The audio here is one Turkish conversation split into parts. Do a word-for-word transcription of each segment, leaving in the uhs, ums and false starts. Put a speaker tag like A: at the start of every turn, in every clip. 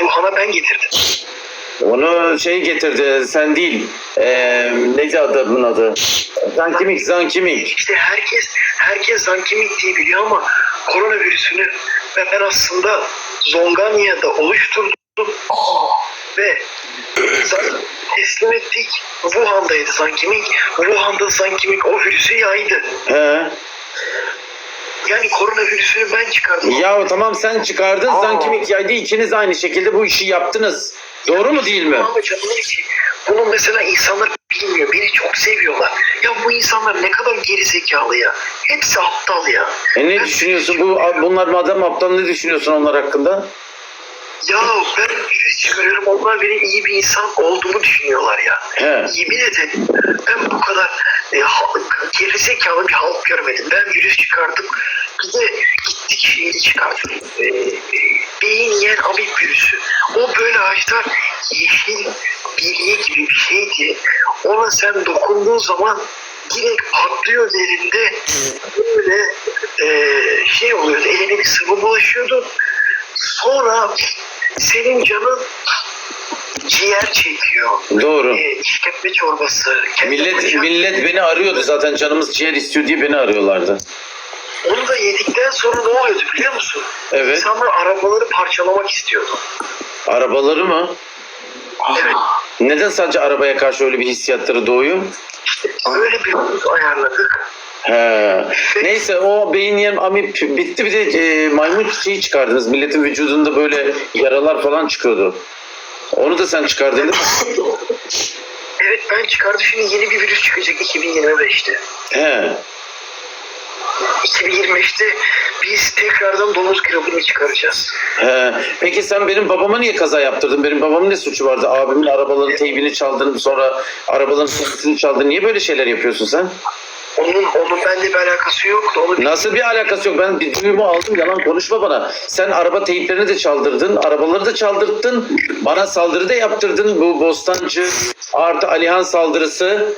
A: Wuhan'a ben getirdim.
B: Onu şey getirdi, sen değil. Ee, neydi adamın adı? Zankimik, Zankimik.
A: İşte herkes herkes Zankimik diye biliyor ama koronavirüsünü ben aslında Zonganya'da oluşturdum ve teslim ettik. Wuhan'daydı Zankimik. Wuhan'da Zankimik o virüsü yaydı.
B: He.
A: Yani koronavirüsünü ben çıkardım.
B: Ya tamam, sen çıkardın,
A: Aa.
B: Zankimik yaydı, ikiniz aynı şekilde bu işi yaptınız. Doğru mu değil mi?
A: Ama canımın içi. Bunu mesela insanlar bilmiyor. Beni çok seviyorlar. Ya bu insanlar ne kadar geri zekalı ya. Hepsi aptal ya.
B: E ne
A: Ben
B: düşünüyorsun? Bu bunlar madem aptal, ne düşünüyorsun onlar hakkında?
A: Ya ben virüs çıkarıyorum. Onlar benim iyi bir insan olduğumu düşünüyorlar ya.
B: He.
A: Yemin ederim ben bu kadar e, halk, gerizekalı bir halk görmedim. Ben virüs çıkardım. Bir de gittik şeyi çıkardım. E, e, beyin yiyen amip virüsü. O böyle ağaçlar yeşil bilye gibi bir şeydi. Ona sen dokunduğun zaman direkt patlıyor derinde. Böyle e, şey oluyordu. Eline bir sıvı bulaşıyordu. Sonra senin canın ciğer çekiyor.
B: Doğru.
A: E, işkembe çorbası.
B: Millet
A: bacak.
B: millet beni arıyordu zaten, canımız ciğer istiyor diye beni arıyorlardı.
A: Onu da yedikten sonra ne oluyordu biliyor musun?
B: Evet.
A: İnsanlar arabaları parçalamak istiyordu.
B: Arabaları mı?
A: Evet.
B: Neden sadece arabaya karşı öyle bir hissiyatları doğuyor?
A: İşte öyle bir hız ayarladık.
B: He. Neyse, o beyin yem amip bitti, bir de e, maymun çiçeği çıkardınız. Milletin vücudunda böyle yaralar falan çıkıyordu. Onu da sen çıkardın değil mi?
A: Evet ben çıkardım. Şimdi yeni bir virüs çıkacak iki bin yirmi beşte.
B: He.
A: iki bin yirmi beşte biz tekrardan domuz gribini çıkaracağız.
B: He. Peki sen benim babama niye kaza yaptırdın? Benim babamın ne suçu vardı? Abimin arabaların teybini çaldın, sonra arabaların sesini çaldın. Niye böyle şeyler yapıyorsun sen?
A: Onun onun bende bir alakası yok. Onu
B: Nasıl bir alakası yok? Ben bir duyumu aldım, yalan konuşma bana. Sen araba teyplerini de çaldırdın, arabaları da çaldırttın, bana saldırı da yaptırdın. Bu Bostancı artı Alihan saldırısı.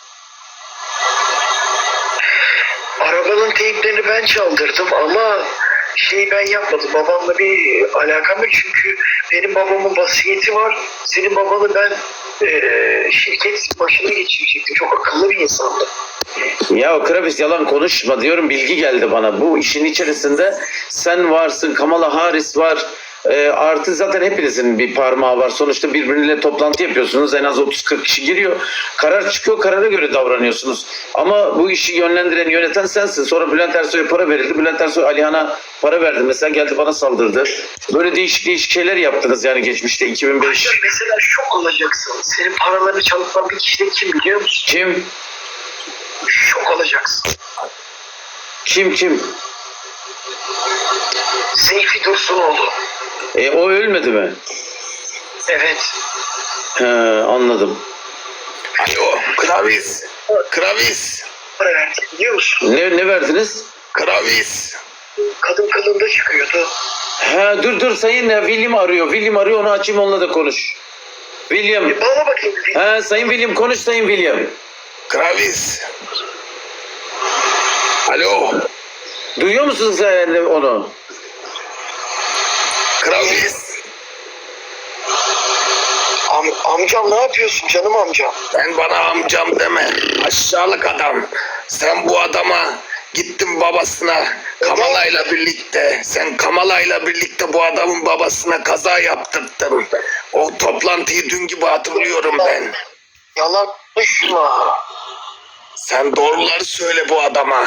A: Arabanın teyplerini ben çaldırdım ama şey ben yapmadım. Babamla bir alakam yok çünkü benim babamın vasiyeti var. Senin babanı ben e, şirket başına geçirecektim. Çok akıllı bir insandı.
B: Ya Kravis, yalan konuşma diyorum, bilgi geldi bana. Bu işin içerisinde sen varsın, Kamala Harris var. E, artı zaten hepinizin bir parmağı var. Sonuçta birbirine toplantı yapıyorsunuz. En az otuz kırk kişi giriyor. Karar çıkıyor, karara göre davranıyorsunuz. Ama bu işi yönlendiren, yöneten sensin. Sonra Bülent Ersoy'a para verildi. Bülent Ersoy Alihan'a para verdi. Mesela geldi bana saldırdı. Böyle değişik değişik şeyler yaptınız yani geçmişte iki bin beş.
A: Ayrıca mesela şok olacaksın. Senin paralarını çalınan bir kişi de kim biliyor musun?
B: Kim?
A: Şok olacaksın.
B: Kim kim?
A: Seyfi Dursunoğlu.
B: E, o ölmedi mi?
A: Evet.
B: He, anladım.
C: Alo, Kravis. Kravis.
A: Para verdi biliyor musun?
B: Ne, ne verdiniz?
C: Kravis.
A: Kadın kılığında çıkıyordu.
B: He, dur dur, sayın ya, William arıyor. William arıyor, onu açayım, onunla da konuş. William.
A: E bana bakayım. bir-
B: He, sayın William, konuş sayın William.
C: Kravis. Alo.
B: Duyuyor musunuz sen onu?
C: Kravis.
A: Am amcam ne yapıyorsun canım amcam?
C: Sen bana amcam deme. Aşağılık adam. Sen bu adama gittin babasına Kamala'yla birlikte. Sen Kamala'yla birlikte bu adamın babasına kaza yaptırttın. O toplantıyı dün gibi hatırlıyorum ben.
A: Yalan konuşma.
C: Sen doğruları söyle bu adama.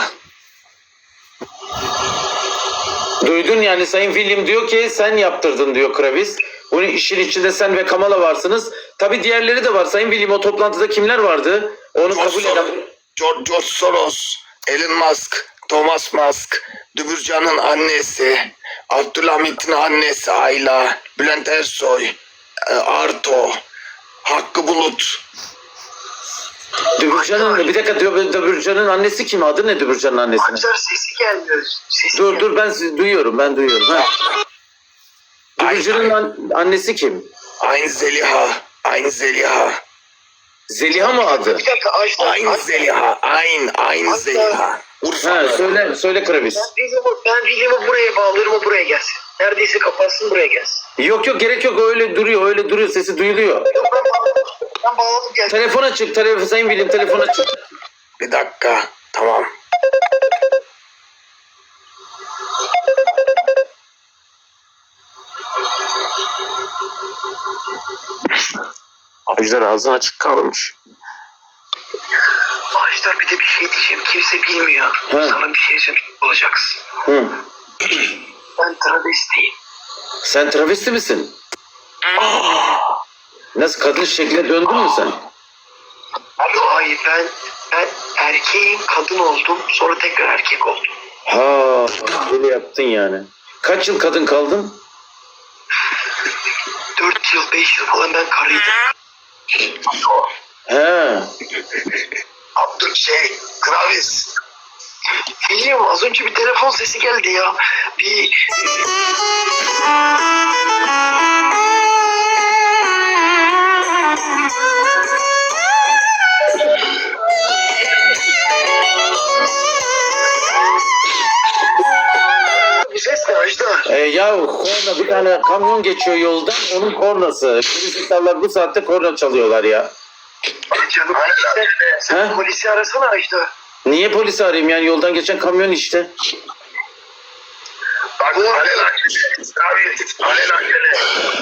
B: Duydun yani, sayın William diyor ki sen yaptırdın diyor Kravis. Bunun işin içinde sen ve Kamala varsınız. Tabii diğerleri de var sayın William, o toplantıda kimler vardı? Onu
C: George,
B: kabul eden...
C: Soros, George, George Soros, Elon Musk, Thomas Musk, Dübürcan'ın annesi, Abdülhamit'in annesi Ayla, Bülent Ersoy, e, Arto, Hakkı Bulut.
B: Dübürcan'ın, bir dakika, Dübürcan'ın annesi kim? Adı ne Dübürcan'ın annesinin?
A: Amcar sesi gelmiyor. Sesi
B: Dur
A: gelmiyor.
B: dur, ben sizi duyuyorum, ben duyuyorum. Ha. Dübürcan'ın an- annesi kim?
C: Aynı Zeliha, aynı Zeliha.
B: Zeliha mı adı?
A: Bir dakika Ajdar.
C: Aynı
A: Ajdar.
C: Zeliha. Aynı. Aynı
A: Hatta-
C: Zeliha.
B: Ha,
C: Urfalı.
B: söyle söyle Kravis.
A: Ben William'ı, ben William'ı buraya bağlarım, o buraya gelsin. Neredeyse kapatsın, buraya gelsin.
B: Yok yok, gerek yok, öyle duruyor öyle duruyor, sesi duyuluyor.
A: Yok, ben bağladım. Ben bağladım gelsin.
B: Telefona çık, telefon, Sayın William telefona çık.
C: Bir dakika. Tamam. Ajdar ağzı açık kalmış.
A: Ajdar, bir de bir şey diyeceğim. Kimse bilmiyor.
B: He.
A: Sana bir şey söyleyecek olacaksın.
B: Hı.
A: Ben travestiyim.
B: Sen travesti misin? Nasıl, kadın şekline döndün mü sen?
A: Hayır, ben ben erkeğim, kadın oldum. Sonra tekrar erkek oldum.
B: Ha, böyle yaptın yani. Kaç yıl kadın kaldın?
A: Dört yıl, beş yıl falan ben karıydım.
B: He.
A: Abdül şey, Kravis. Biliyorum, az önce bir telefon sesi geldi ya. Bir... Bu ses ne Ajdar?
B: E, ya korna, bir tane kamyon geçiyor yoldan, onun kornası. Polisler bu saatte korna çalıyorlar ya.
A: Canım işte. Sen
B: He?
A: polisi arasana Ajdar.
B: Niye polisi arayayım yani, yoldan geçen kamyon işte.
C: Bak alelacele. Kravis. Alelacele.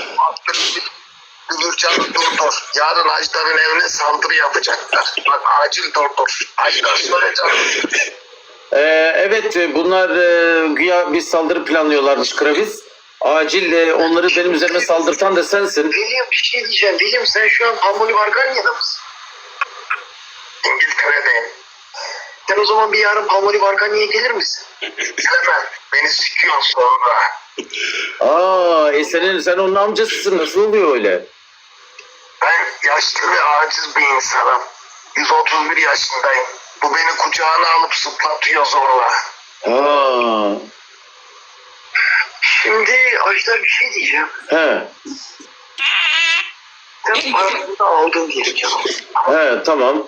C: Gülürcan'ı durdur. Yarın Ajdar'ın evine saldırı yapacaklar. Bak acil durdur. Ajdar söyle canım.
B: Ee, evet, bunlar e, güya bir saldırı planlıyorlarmış Kravis. Acil e, onları benim üzerime saldırtan da sensin.
A: William, bir şey diyeceğim. William, sen şu an Palmoli Varganya'da mısın?
C: İngiltere'de.
A: Sen o zaman bir yarın Palmoli Varganya'ya gelir misin?
C: Gelemem. Beni sikiyor sonra.
B: Aa, e senin, sen onun amcasısın, nasıl oluyor öyle?
C: Ben yaşlı ve aciz bir insanım. yüz otuz bir yaşındayım. Bu beni kucağına alıp zıplatıyor zorla.
B: Ha,
A: Şimdi Ajdar, bir şey diyeceğim.
B: he,
A: Sen paranı da aldın diyelim canım.
B: he, tamam.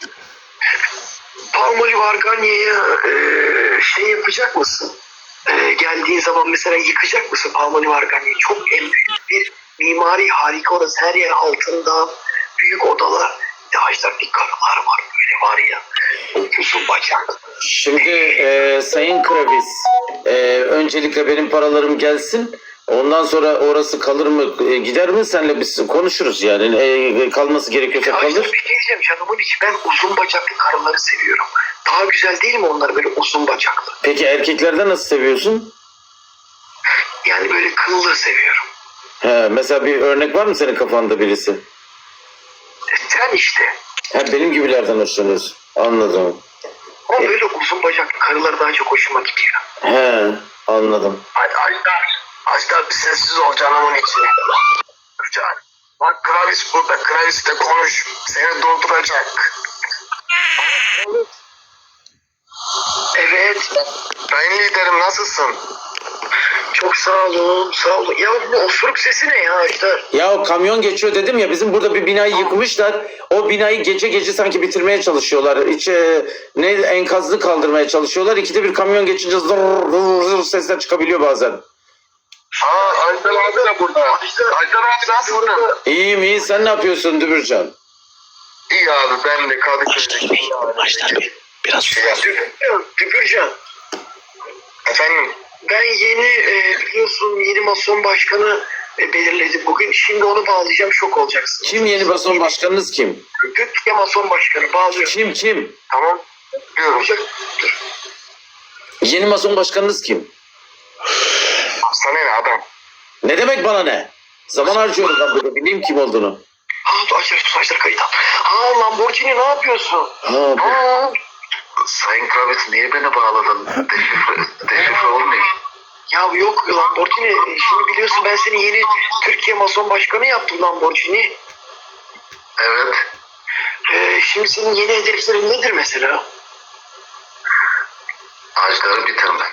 A: Palmoli Varganya'ya e, şey yapacak mısın? E, geldiğin zaman mesela yıkacak mısın Palmoli Varganya'yı? Çok en büyük bir mimari harika orası. Her yer altında. Büyük odalar. Ya Ajdar, bir karılar var böyle var ya. Uzun bacaklı.
B: Şimdi e, Sayın Kravis, e, öncelikle benim paralarım gelsin. Ondan sonra orası kalır mı, e, gider mi, senle biz konuşuruz yani. E, kalması gerekiyorsa
A: Ya Ajdar,
B: kalır.
A: bir şey diyeceğim canımın içi. Ben uzun bacaklı karıları seviyorum. Daha güzel değil mi onlar böyle uzun bacaklı?
B: Peki erkeklerde nasıl seviyorsun?
A: Yani böyle kıllı seviyorum.
B: He, mesela bir örnek var mı senin kafanda birisi?
A: E, Sen işte.
B: Ha, benim gibilerden hoşlanıyorsun. Anladım.
A: Ama böyle uzun bacaklı karılar daha çok hoşuma gidiyor.
B: He, anladım.
C: Hadi Ajdar. Ajdar bir sessiz ol canımın içi. Can. Bak Kravis burada. Kravis de konuş. Seni durduracak.
A: Evet.
C: Sayın liderim nasılsın?
A: Çok sağ olun. Sağ olun. Ya bu osuruk sesi ne ya Ajdar?
B: Ya o kamyon geçiyor dedim ya, bizim burada bir binayı yıkmışlar. O binayı gece gece sanki bitirmeye çalışıyorlar. İçe ne enkazını kaldırmaya çalışıyorlar. İkide bir kamyon geçince zır zır zır sesler çıkabiliyor bazen.
C: Aa Ajdar abi de burada. Ajdar abi nasılsın?
B: İyiyim iyi, sen ne yapıyorsun Dübürcan?
C: İyi abi ben de Kadıköy'deyim.
D: Ajdar Bey biraz
C: Şey,
A: Düpürcan. Düpürcan.
C: efendim
A: Ben yeni e, biliyorsun yeni mason başkanı e, belirledim bugün. Şimdi onu bağlayacağım, şok olacaksın.
B: Kim yeni bason başkanınız kim?
A: Türkiye mason başkanı bağlıyorum.
B: Kim kim?
C: tamam diyorum.
A: Olacak.
B: Yeni mason başkanınız kim?
C: Sana ne adam?
B: Ne demek bana ne? Zaman harcıyorum ben burada, bileyim kim olduğunu.
A: Ha, Ajdar tut, Ajdar kayıt al. Ha, Lamborghini ne yapıyorsun?
B: Ha, bu-
A: Ha,
C: Sayın Kravis niye beni bağladın? Deşifre, deşifre olmayayım.
A: ya yok Lamborghini. Şimdi biliyorsun ben seni yeni Türkiye mason başkanı yaptım Lamborghini.
C: Evet.
A: E, şimdi senin yeni hedeflerin nedir mesela?
C: Ajdar'ı bitirmek.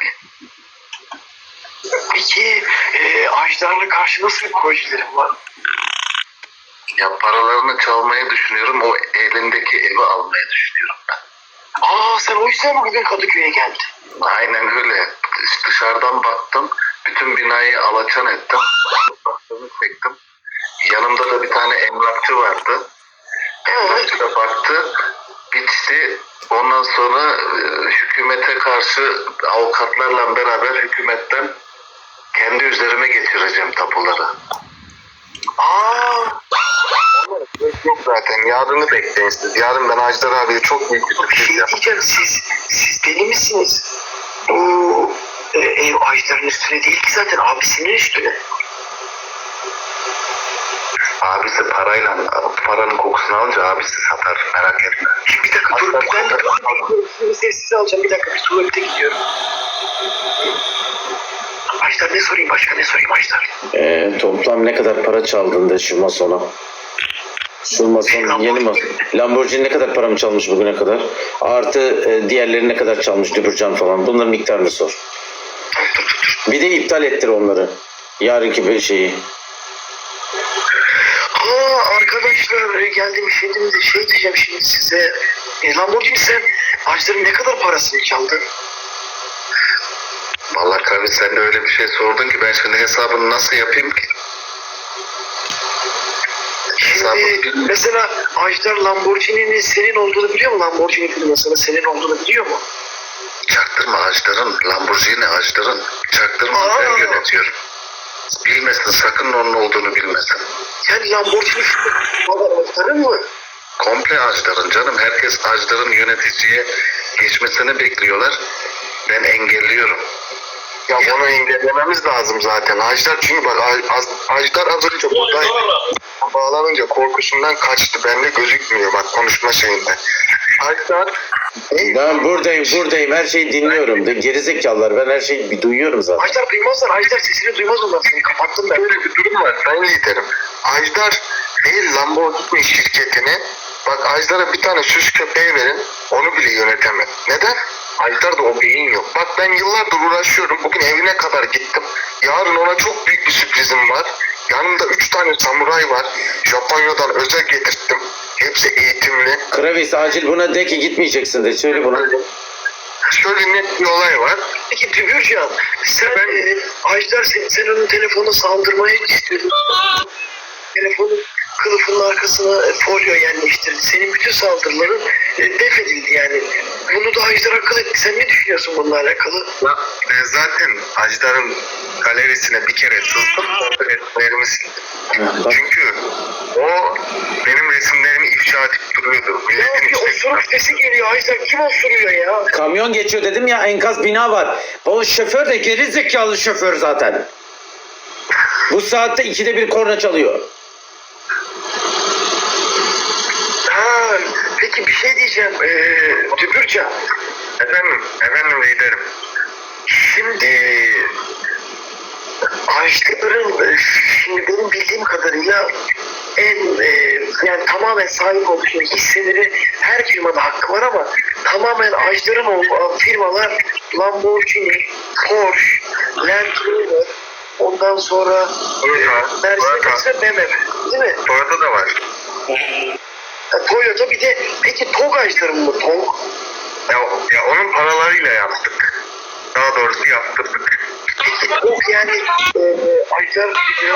A: Peki e, Ajdar'la karşı nasıl bir projelerin var?
C: Ya paralarını çalmayı düşünüyorum. O elindeki evi almayı düşünüyorum ben.
A: Aa sen o yüzden mi bugün Kadıköy'e geldin?
C: Aynen öyle. Dışarıdan baktım. Bütün binayı alaçan ettim. Baktığımı çektim. Yanımda da bir tane emlakçı vardı. Emlakçı da baktı. Bitti. Ondan sonra e, hükümete karşı avukatlarla beraber hükümetten kendi üzerime geçireceğim tapuları.
A: Aa
C: Yok zaten. Yarını bekleyin siz. Yarın ben Ajdar abiye çok büyük bir
A: bir
C: sürpriz
A: şey
C: yapacağım.
A: diyeceğim, siz siz deli misiniz? Bu e, ev Ajdar'ın üstüne değil ki zaten, abisinin üstüne.
C: Abisi parayla, paranın kokusunu alınca abisi satar. Merak etme.
A: Bir dakika dur, ben de bir sessiz alacağım, bir dakika bir tuvalete gidiyorum. Ajdar ne sorayım, başka ne sorayım Ajdar?
B: Ee, toplam ne kadar para çaldın da şu masona? Şu mason yeni mason. Lamborghini ne kadar paramı çalmış bugüne kadar? Artı e, diğerleri ne kadar çalmış, Dübürcan falan. Bunların miktarını sor. Bir de iptal ettir onları. Yarınki bir şeyi.
A: Ha arkadaşlar, geldim şimdi de şey diyeceğim şimdi size. E, Lamborghini, sen Ajdar'ın ne kadar parasını çaldın?
C: Vallahi tabii sen de öyle bir şey sordun ki ben şimdi hesabını nasıl yapayım ki?
A: Şimdi mesela Ajdar Lamborghini'nin senin olduğunu biliyor mu? Lamborghini firmasının senin olduğunu biliyor mu?
C: Çaktırma Ajdar'ın. Lamborghini Ajdar'ın. Çaktırma
A: Aa.
C: ben yönetiyorum. Bilmesin, sakın onun olduğunu bilmesin.
A: Yani Lamborghini firması Ajdar'ın mı?
C: Komple Ajdar'ın canım. Herkes Ajdar'ın yöneticiye geçmesini bekliyorlar. Ben engelliyorum.
A: Ya
C: Bunu engellememiz lazım zaten. Ajdar çünkü bak Az- Ajdar az önce buradaydı. Bağlanınca korkusundan kaçtı. Bende gözükmüyor bak konuşma şeyinde. Ajdar
B: Ben buradayım, buradayım. Her şeyi dinliyorum. De, gerizekalılar. Ben her şeyi bir duyuyorum zaten.
A: Ajdar duymazlar. Ajdar sesini duymaz onlar. Seni kapattım ben.
C: böyle bir durum var. Ben liderim. Ajdar değil Lamborghini şirketini bak Ajdar'a bir tane süs köpeği verin onu bile yönetemez. Neden? Ajdar'da o beyin yok. Bak ben yıllardır uğraşıyorum. Bugün evine kadar gittim. Yarın ona çok büyük bir sürprizim var. Yanımda üç tane samuray var. Japonya'dan özel getirttim. Hepsi eğitimli.
B: Kravis acil buna de ki gitmeyeceksin de. Söyle buna.
C: Şöyle net bir olay var.
A: Peki Dübürcan, sen
C: Ben-
A: e, Ajdar sen, sen onun telefonuna saldırmaya istiyordun. Telefonun kılıfının arkasına e, folyo yerleştirdi. Senin bütün saldırıların e, def edildi yani. Bunu da Ajdar akıl etti. Sen ne düşünüyorsun bununla alakalı?
C: Ya, ben zaten Ajdar'ın galerisine bir kere sızdım. Orada resimlerimi sildim.
B: Bak,
C: Çünkü o benim resimlerimi ifşa edip duruyordu.
A: Ya
C: Milletin
A: bir
C: içine
A: osuruk sesi geliyor Ajdar. Kim osuruyor ya?
B: kamyon geçiyor dedim ya, enkaz bina var. O şoför de geri zekalı şoför zaten. Bu saatte ikide bir korna çalıyor.
A: Ha, peki bir şey diyeceğim. E, Dübürcan.
C: Efendim, efendim liderim.
A: Şimdi Ajdar'ın e, şimdi benim bildiğim kadarıyla en e, yani tamamen sahip olduğu şimdi hisseleri her firmada hakkı var ama tamamen Ajdar'ın olduğu firmalar Lamborghini, Porsche, Land Rover, ondan sonra
C: Toyota,
A: Mercedes ve B M W, değil mi?
C: Toyota da var.
A: Ha, Toyota, bir de peki TOG Ajdar'ın mı TOG?
C: Ya, ya onun paralarıyla yaptık. Daha doğrusu yaptırdık.
A: Peki TOG yani e, Ajdar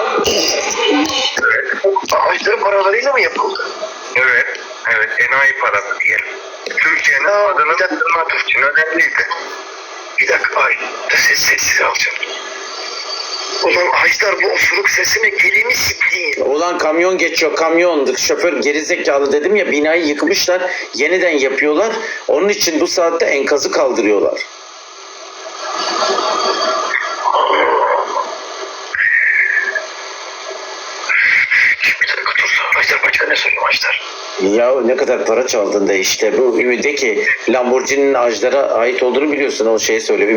C: Evet,
A: Ajdar'ın paralarıyla mı yapıldı?
C: evet, evet. Enayi parası diyelim. Türkiye'nin
A: Ya,
C: adını
A: bir dakika.
C: kırmak için önemliydi.
A: Bir dakika, ay ses sessiz alacağım. Ulan Ajdar, bu osuruk sesine gelini siktiğin.
B: Ulan kamyon geçiyor, kamyon. Şoför gerizekalı dedim ya, binayı yıkmışlar. Yeniden yapıyorlar. Onun için bu saatte enkazı kaldırıyorlar.
A: Bir dakika dur. Ajdar, başka ne sorayım Ajdar?
B: Ya ne kadar para çaldın da işte bu de ki Lamborghini'nin Ajdar'a ait olduğunu biliyorsun, o şeyi söyle.